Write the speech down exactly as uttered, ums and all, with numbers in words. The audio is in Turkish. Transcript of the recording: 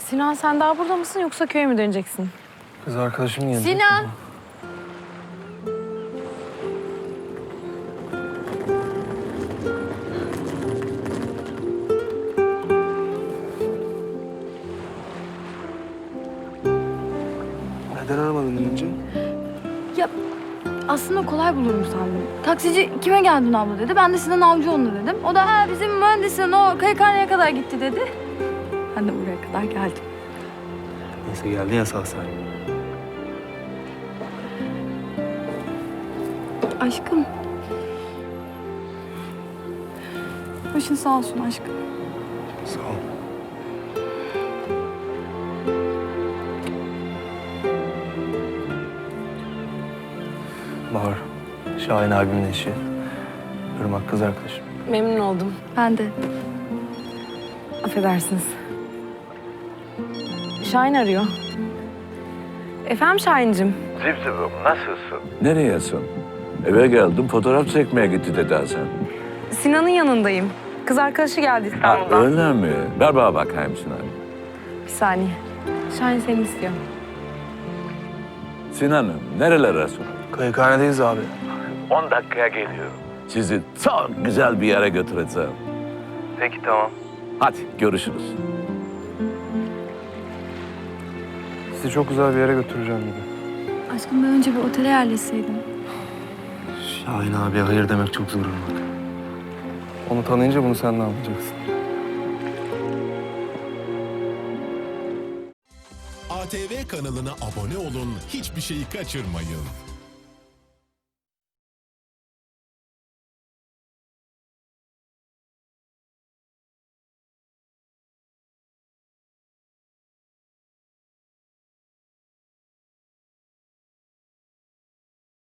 Sinan sen daha burada mısın yoksa köye mi döneceksin? Kız arkadaşım gelecek. Sinan! Neden aramadın önce? Ya aslında kolay bulurum sandım. Taksici kime geldin abla dedi. Ben de Sinan Avcıoğlu dedim. O da ha bizim mühendisin o kayıkhaneye kadar gitti dedi. Ben de buraya kadar geldim. Neyse geldin ya sağ salim. Aşkım. Başın sağ olsun aşkım. Sağ ol. Bahar, Şahin abimin eşi. Irmak kız arkadaşım. Memnun oldum. Ben de. Affedersiniz. Şahin arıyor. Efendim Şahin'cim? Zipzibim nasılsın? Nereyesin? Eve geldim, fotoğraf çekmeye gitti dedi Hasan. Sinan'ın yanındayım. Kız arkadaşı geldi Ha, İstanbul'dan. öyle mi? Ver bana bakayım Sinan. Bir saniye. Şahin seni istiyor. Sinan'ım, nerelerdesin? Kayıkhanedeyiz abi. on dakikaya geliyorum. Sizi çok güzel bir yere götüreceğim. Peki tamam. Hadi görüşürüz. Sizi çok güzel bir yere götüreceğim gibi. Aşkım ben önce bir otele yerleşseydim. Şahin abiye hayır demek çok zor Irmak. Onu tanıyınca bunu sen ne yapacaksın? A T V kanalına abone olun, hiçbir şeyi kaçırmayın.